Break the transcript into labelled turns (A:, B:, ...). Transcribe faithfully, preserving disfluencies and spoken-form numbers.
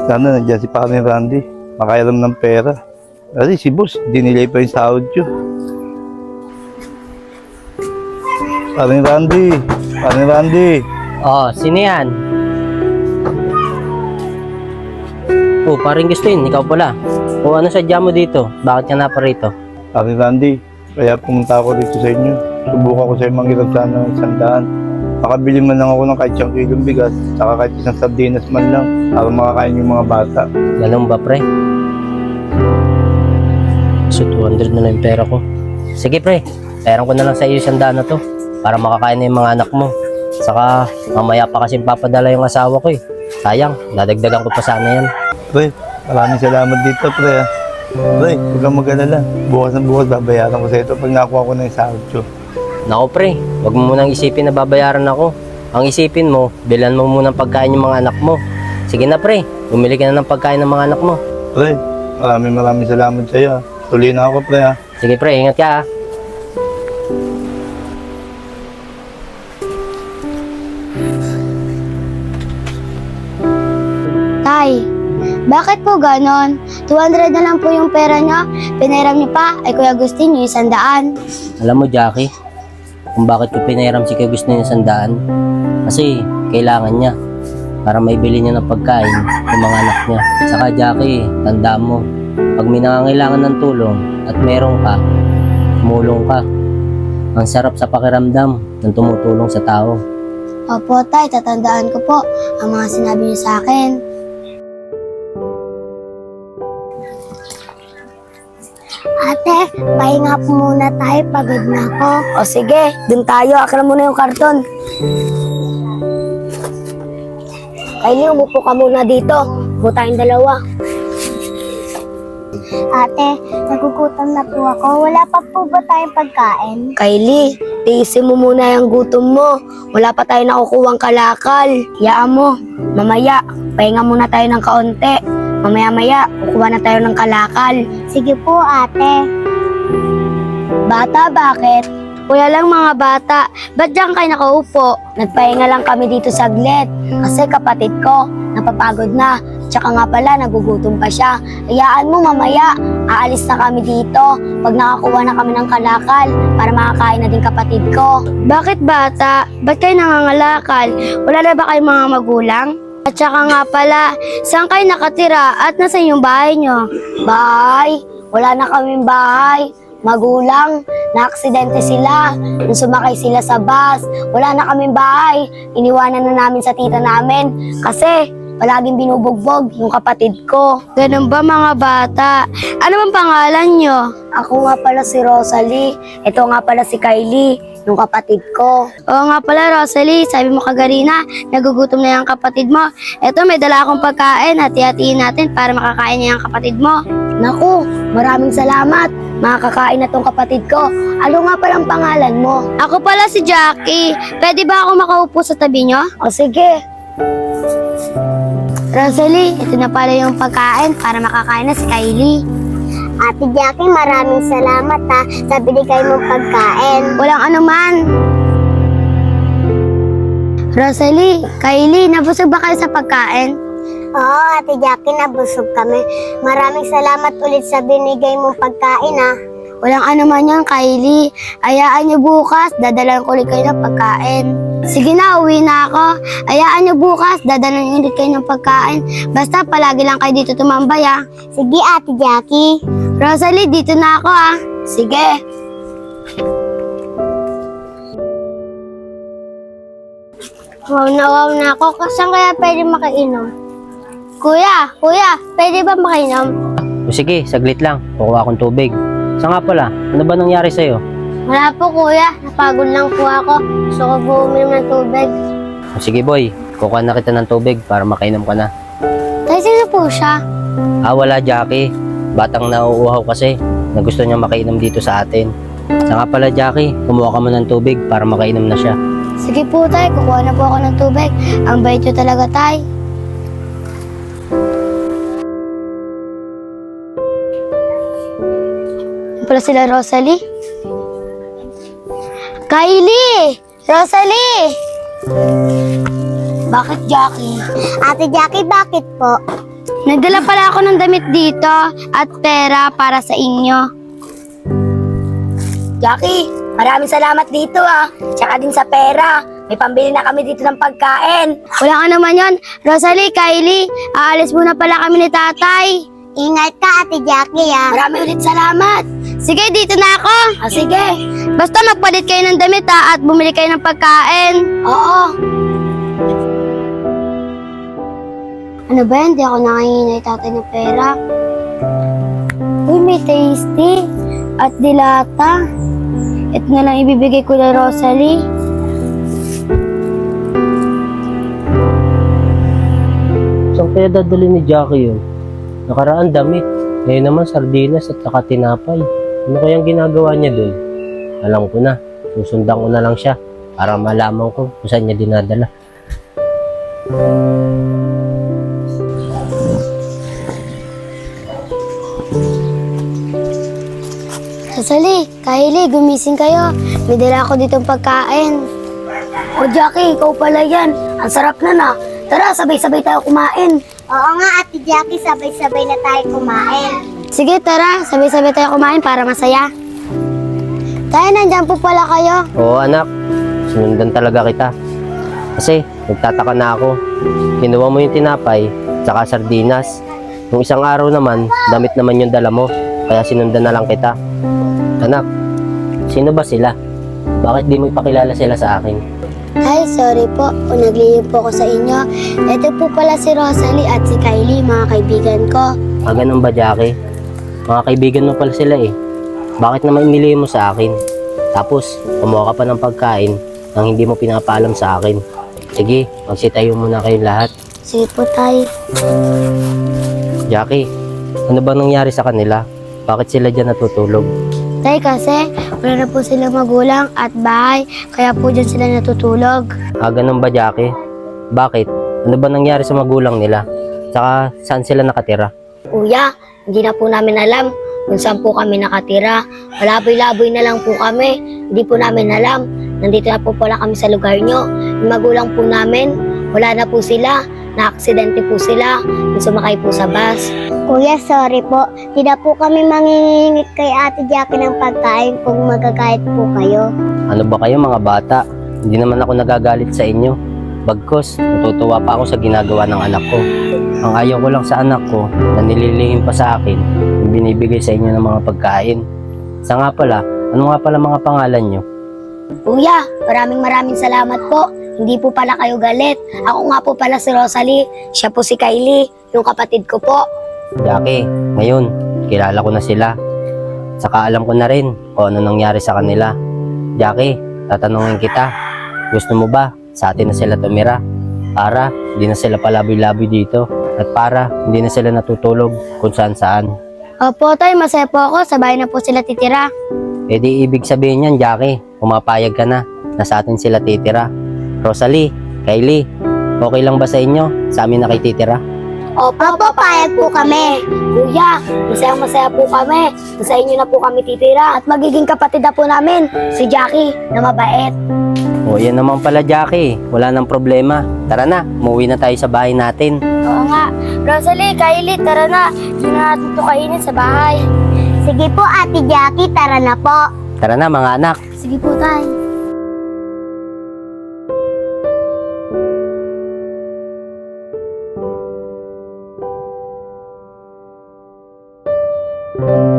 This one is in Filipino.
A: Sana nandiyan si Pare Randy. Makairam ng pera. Kasi si boss, dinilay pa yung sahod yun. Pare Randy. Pare Randy.
B: Oh, sino yan? Oh, paring Gustin, ikaw pala. O ano sadya mo dito? Bakit ka na pa rito?
A: Pare Randy, kaya pumunta ako dito sa inyo. Subukan ko sa'yo manghirap sana ng isang daan. Makabili man lang ako ng kahit isang kilong bigas, saka kahit isang sardinas man lang, para makakain yung mga bata.
B: Ganun ba, pre? So, two hundred na lang yung pera ko. Sige, pre. Perang ko na lang sa iyo isang daan na to para makakain na yung mga anak mo. Saka, mamaya pa kasi papadala yung asawa ko eh. Sayang, dadagdagan ko pa sana yan.
A: Pre, maraming salamat dito, pre. ah. Pre, huwag kang mag-alala. Bukas na bukas, babayaran ko sa ito pag nakuha ko na yung sahod ko.
B: Nako, pre. Huwag mo munang isipin na babayaran ako. Ang isipin mo, bilan mo munang pagkain yung mga anak mo. Sige na, pre. Bumili ka na ng pagkain ng mga anak mo.
A: Pre, maraming maraming salamat sa iyo. ah. Tuloy na ako, pre. ah.
B: Sige, pre. Ingat ka, ha.
C: Tay, bakit po ganon? two hundred na lang po yung pera niyo. Pinairam niyo pa ay Kuya Agustin yung isang daan.
B: Alam mo, Jackie, kung bakit ko pinairam si Kuya Agustin yung sandaan? Kasi kailangan niya para maibili niya ng pagkain ng mga anak niya. Saka, Jackie, tandaan mo, pag may nangangailangan ng tulong at meron ka, tumulong ka. Ang sarap sa pakiramdam ng tumutulong sa tao.
C: Opo, Tay, tatandaan ko po ang mga sinabi niyo sa akin. Ate, pahinga po muna tayo. Pagod na ako. O sige, dun tayo. Akala mo na yung karton. Kylie, umupo ka muna dito. Upo tayong dalawa. Ate, nagugutom na po ako. Wala pa po ba tayong pagkain? Kylie, tiisin mo muna yung gutom mo. Wala pa tayo nakukuhang kalakal. Yaan mo. Mamaya, pahinga muna tayo ng kaunti. Mamaya-maya, kukuha na tayo ng kalakal. Sige po, ate. Bata, bakit? Kuya lang mga bata, ba't diyan kayo nakaupo? Nagpahinga lang kami dito saglit. Kasi kapatid ko, napapagod na. Tsaka nga pala, nagugutom pa siya. Hayaan mo mamaya, aalis na kami dito. Pag nakakuha na kami ng kalakal, para makakain na din kapatid ko. Bakit bata? Ba't kayo nangangalakal? Wala na ba kayong mga magulang? At saka nga pala, saan kayo nakatira at nasa yung bahay nyo? Bahay? Wala na kaming bahay. Magulang, na-aksidente sila. Nung sumakay sila sa bus, wala na kaming bahay. Iniwanan na namin sa tita namin kasi palaging binubugbog yung kapatid ko. Ganun ba mga bata? Ano bang pangalan nyo? Ako nga pala si Rosalie. Ito nga pala si Kylie, yung kapatid ko. Oo nga pala Rosalie, sabi mo kagarina, nagugutom na yung kapatid mo. Ito may dala akong pagkain, hati-hatiin natin para makakain niya yung kapatid mo. Naku, maraming salamat. Makakain na tong kapatid ko. Ano nga palang pangalan mo? Ako pala si Jackie. Pwede ba ako makaupo sa tabi nyo? O sige. Rosalie, ito na pala yung pagkain para makakain na si Kylie. Ate Jackie, maraming salamat ha sa binigay mong pagkain. Walang anuman. Rosalie, Kylie, nabusog ba kayo sa pagkain? Oo, Ate Jackie, nabusog kami. Maraming salamat ulit sa binigay mong pagkain ha. Walang anuman yan, Kylie. Ayaan niyo bukas, dadalan ko ulit kayo ng pagkain. Sige na, uwi na ako. Ayaan niyo bukas, dadalan ulit kayo ng pagkain. Basta palagi lang kayo dito tumambay ha. Sige, Ate Jackie. Rosalie, dito na ako ha. Sige. Wow na wow na ako. Saan kaya pwede makainom? Kuya, kuya, pwede ba makainom?
B: O sige, saglit lang. Kukuha akong tubig. Sa nga pala, ano ba nangyari sa'yo?
C: Wala po kuya, napagod lang po ako. Gusto ko po uminom ng tubig.
B: O sige boy, kukuha na kita ng tubig para makainom ka na.
C: Tay, sino po siya?
B: Ah, wala Jackie. Batang nauuhaw kasi na gusto niya makainom dito sa atin. Sa nga pala Jackie, kumuha ka mo ng tubig para makainom na siya.
C: Sige po tay, kukuha na po ako ng tubig. Ang bait nyo talaga tay. Ano pala sila Rosalie? Kylie! Rosalie! Bakit Jackie? Ate Jackie, bakit po? Nagdala pala ako ng damit dito at pera para sa inyo. Jackie, maraming salamat dito ah. Tsaka din sa pera. May pambili na kami dito ng pagkain. Wala ka naman yon. Rosalie, Kylie, aalis muna pala kami ni tatay. Ingat ka, Ate Jackie ah. Maraming ulit salamat. Sige, dito na ako. Ah, sige. Basta magpalit kayo ng damit ah, at bumili kayo ng pagkain. Oo. Ano ba yan? Di ako nakahingi tatay ng pera. Uy, may tasty at dilata. Ito na lang ibibigay ko na Rosalie.
B: Saan kaya dadali ni Jackie yun? Nakaraan damit. Ngayon naman sardinas at saka tinapay. Ano kayang ginagawa niya dun? Alam ko na. Susundan ko na lang siya para malaman ko kung saan niya dinadala.
C: Rosalie, Kylie, gumising kayo. May dala ako ditong pagkain. O Jackie, ikaw pala yan. Ang sarap na na. Tara, sabay-sabay tayo kumain.
D: Oo nga, Ate Jackie, sabay-sabay na tayo kumain.
C: Sige, tara, sabay-sabay tayo kumain para masaya. Tayo, nandyan po pala kayo.
B: Oo anak, sinundan talaga kita. Kasi nagtataka na ako. Kinuha mo yung tinapay, saka sardinas. Nung isang araw naman, damit naman yung dala mo. Kaya sinundan na lang kita. Anak, sino ba sila? Bakit di mo ipakilala sila sa akin?
C: Ay, sorry po. Kung naglihim po ko sa inyo. Ito po pala si Rosalie at si Kylie, mga kaibigan ko.
B: Ah, ganun ba, Jackie? Mga kaibigan mo pala sila eh. Bakit naman inilihim mo sa akin? Tapos, kumuha ka pa ng pagkain nang hindi mo pinapaalam sa akin. Sige, magsitayo muna kayong lahat.
C: Sige po, tay.
B: Jackie, ano ba nangyari sa kanila? Bakit sila dyan natutulog?
C: Tay, kasi wala na po silang magulang at bahay, kaya po dyan sila natutulog.
B: Ah, ganun ba, Jackie? Bakit? Ano ba nangyari sa magulang nila? Tsaka, saan sila nakatira?
C: Kuya, hindi na po namin alam kung saan po kami nakatira. Malaboy-laboy na lang po kami. Hindi po namin alam. Nandito na po pala kami sa lugar nyo. Yung magulang po namin, wala na po sila. Na-aksidente po sila. Yung sumakay po sa bus.
D: Kuya, sorry po. Di na po kami mangingingit kay Ate Jackie ng pagkain kung magagayat po kayo.
B: Ano ba kayo mga bata? Hindi naman ako nagagalit sa inyo. Bagkos, natutuwa pa ako sa ginagawa ng anak ko. Ang ayaw ko lang sa anak ko na nililihim pa sa akin yung binibigay sa inyo ng mga pagkain. Sa nga pala, ano nga pala mga pangalan nyo?
C: Kuya, maraming maraming salamat po. Hindi po pala kayo galit. Ako nga po pala si Rosalie. Siya po si Kylie, yung kapatid ko po.
B: Jackie, ngayon, kilala ko na sila. Saka alam ko na rin kung ano nangyari sa kanila. Jackie, tatanungin kita, gusto mo ba sa atin na sila tumira? Para hindi na sila palaboy-laboy dito. At para hindi na sila natutulog kung saan-saan.
C: Opo, tay, masaya po ako. Sa bahay na po sila titira.
B: E di ibig sabihin yan, Jackie, pumapayag ka na na sa atin sila titira. Rosalie, Kylie, okay lang ba sa inyo? Sa amin na kayo titira?
C: Opo, payag po kami. Kuya, masayang masaya po kami. Sa inyo na po kami titira. At magiging kapatid na po namin, si Jackie, na mabait.
B: O yan naman pala, Jackie, wala nang problema. Tara na, umuwi na tayo sa bahay natin.
C: Oo nga. Rosalie, Kylie, tara na. Hindi na natin ito kainin sa bahay.
D: Sige po, Ate Jackie, tara na po.
B: Tara na mga anak.
C: Sige po, tay.
D: Thank you.